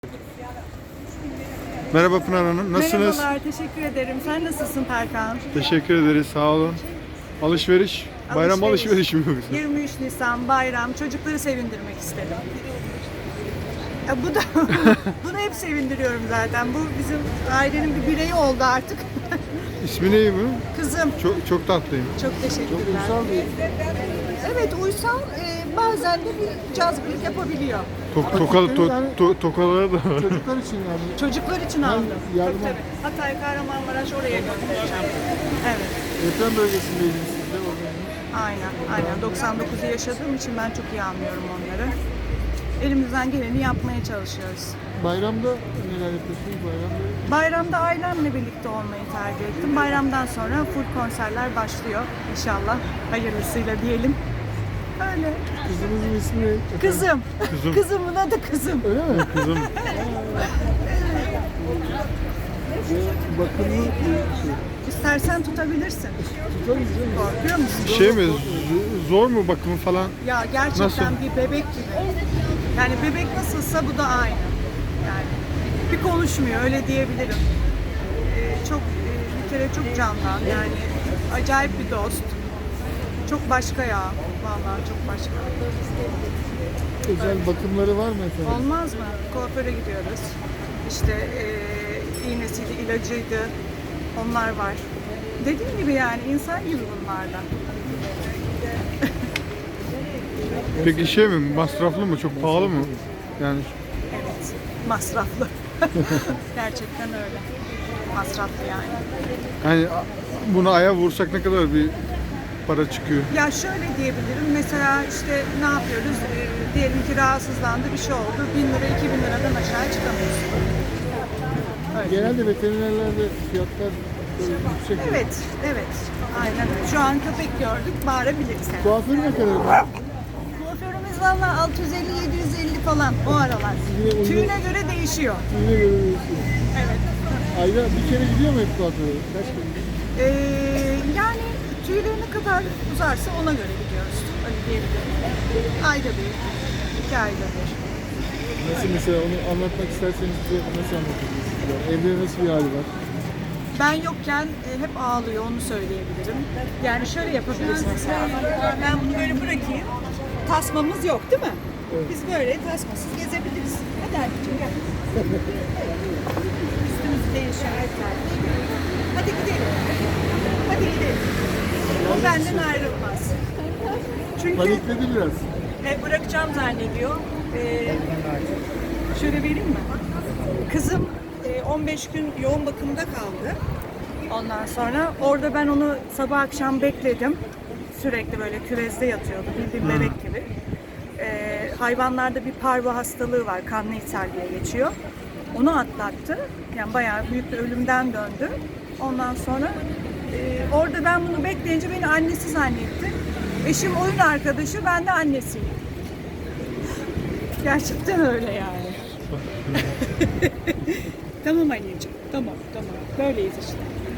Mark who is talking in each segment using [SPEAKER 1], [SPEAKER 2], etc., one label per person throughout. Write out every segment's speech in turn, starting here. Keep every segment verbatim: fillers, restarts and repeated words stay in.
[SPEAKER 1] Merhaba Pınar Hanım, nasılsınız?
[SPEAKER 2] Merhabalar, teşekkür ederim. Sen nasılsın Perkan?
[SPEAKER 1] Teşekkür ederiz, sağ olun. Alışveriş, bayram alışverişi mi yoksa?
[SPEAKER 2] yirmi üç Nisan bayram, çocukları sevindirmek istedim. Ya bu da, bunu hep sevindiriyorum zaten. Bu bizim ailenin bir bireyi oldu artık.
[SPEAKER 1] İsmi ne bu?
[SPEAKER 2] Kızım,
[SPEAKER 1] Çok, çok tatlıyım.
[SPEAKER 2] çok teşekkürler. Evet, uysal, e, bazen de bir cazgırlık yapabiliyor.
[SPEAKER 1] Tok, tokalı, to, to, tokaları da var.
[SPEAKER 3] Çocuklar için yani.
[SPEAKER 2] Çocuklar için aldım.
[SPEAKER 3] yardım-
[SPEAKER 2] Tabii, tabii. Hatay, Kahramanmaraş oraya göndereceğim. Evet.
[SPEAKER 3] Deprem bölgesindeydiniz siz de o zaman.
[SPEAKER 2] Aynen, aynen. doksan dokuzu yaşadığım için ben çok iyi anlıyorum onları. Elimizden geleni yapmaya çalışıyoruz.
[SPEAKER 3] Bayramda neler yapıyorsunuz bayramda?
[SPEAKER 2] Bayramda ailemle birlikte olmayı tercih ettim. Bayramdan sonra full konserler başlıyor inşallah. Hayırlısıyla diyelim. Öyle.
[SPEAKER 3] Kızınızın ismi ne?
[SPEAKER 2] Kızım.
[SPEAKER 1] Kızım.
[SPEAKER 2] Kızımın adı kızım.
[SPEAKER 3] Öyle mi?
[SPEAKER 1] Kızım,
[SPEAKER 3] Ve bakımlı bir şey.
[SPEAKER 2] İstersen tutabilirsin.
[SPEAKER 3] Tutarız değil mi?
[SPEAKER 2] Korkuyor musun?
[SPEAKER 1] şey mi, z- zor mu bakımı falan?
[SPEAKER 2] Ya gerçekten
[SPEAKER 1] Nasıl?
[SPEAKER 2] bir bebek gibi. Yani bebek nasılsa bu da aynı. Yani bir konuşmuyor öyle diyebilirim. Ee, çok e, bir kere çok candan yani acayip bir dost. Çok başka ya. Vallahi çok başka.
[SPEAKER 3] Özel bakımları var mı efendim?
[SPEAKER 2] Olmaz mı? Kuaföre gidiyoruz. İşte e, iğnesiydi, ilacıydı. Onlar var. Dediğim gibi yani insan gibi bunlarla.
[SPEAKER 1] Peki şey mi, masraflı mı, çok pahalı mı? Yani
[SPEAKER 2] Evet. Masraflı. Gerçekten öyle. Masraflı yani.
[SPEAKER 1] hani bunu aya vursak ne kadar bir para çıkıyor?
[SPEAKER 2] Ya şöyle diyebilirim. Mesela işte ne yapıyoruz? Ee, diyelim ki rahatsızlandı, bir şey oldu. Bin lira, iki bin liradan aşağı çıkamıyorsun. Öyle.
[SPEAKER 3] Genelde veterinerlerde fiyatlar böyle yüksek.
[SPEAKER 2] Evet, evet. Aynen öyle. Şu an köpek gördük, bağırabiliriz. Yani.
[SPEAKER 3] Kuaför ne kadar?
[SPEAKER 2] Kuaförümüz valla altı yüz elli yedi yüz elli falan o aralar.
[SPEAKER 3] Yine uygun-
[SPEAKER 2] Tüyüne göre değişiyor.
[SPEAKER 3] Yine göre değişiyor.
[SPEAKER 2] Evet.
[SPEAKER 3] Ayda bir kere gidiyor mu hep kuaföre? Kaç kere?
[SPEAKER 2] Ee, yani tüyleri ne kadar uzarsa ona göre gidiyoruz. Öyle diyebilirim. Ayda bir, iki ayda bir.
[SPEAKER 3] Nasıl mesela onu anlatmak isterseniz bize nasıl anlatabilirsiniz? Yani evde nasıl bir hali var?
[SPEAKER 2] Ben yokken e, hep ağlıyor, onu söyleyebilirim. Yani şöyle yapabiliriz mesela. Ben bunu böyle bırakayım. Tasmamız yok değil mi? Biz böyle tasmasız gezebiliriz. Hadi anneciğim gel. Üstümüzü değişelim. Hadi gidelim. Hadi gidelim. O benden ayrılmaz. Çünkü
[SPEAKER 3] Panikledi biraz.
[SPEAKER 2] e, bırakacağım zannediyor. E, şöyle vereyim mi? Kızım e, on beş gün yoğun bakımda kaldı. Ondan sonra orada ben onu sabah akşam bekledim. Sürekli böyle küvezde yatıyordu, bildiğin bebek gibi. E, hayvanlarda bir parvo hastalığı var, kanlı ishal diye geçiyor. Onu atlattı. Yani bayağı büyük bir ölümden döndü. Ondan sonra e, orada ben bunu bekleyince beni annesi zannetti. Eşim oyun arkadaşı, ben de annesiyim. Gerçekten öyle yani. Tamam anneciğim, tamam tamam. Böyleyiz işte.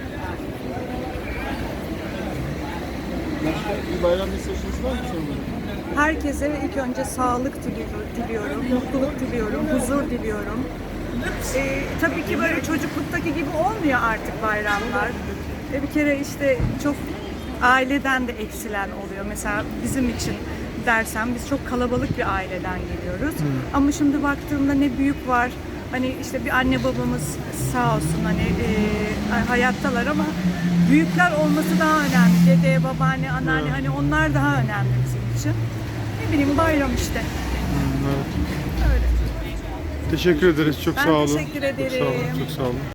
[SPEAKER 3] Başka bir bayram mesajınız var mı sanırım?
[SPEAKER 2] Herkese ilk önce sağlık dili- diliyorum, mutluluk diliyorum, huzur diliyorum. Ee, tabii ki böyle çocukluktaki gibi olmuyor artık bayramlar. Ee, bir kere işte çok aileden de eksilen oluyor. Mesela bizim için dersem biz çok kalabalık bir aileden geliyoruz. Ama şimdi baktığımda ne büyük var. Hani işte bir anne babamız sağ olsun hani e, hayattalar ama büyükler olması daha önemli. Dede, babaanne, anneanne hani onlar daha önemli bizim için. Ne bileyim bayram işte.
[SPEAKER 1] Hmm, evet.
[SPEAKER 2] Öyle.
[SPEAKER 1] Teşekkür ederiz, çok
[SPEAKER 2] Ben
[SPEAKER 1] sağ olun.
[SPEAKER 2] teşekkür
[SPEAKER 1] Çok sağ olun,
[SPEAKER 2] ederim.
[SPEAKER 1] çok sağ olun.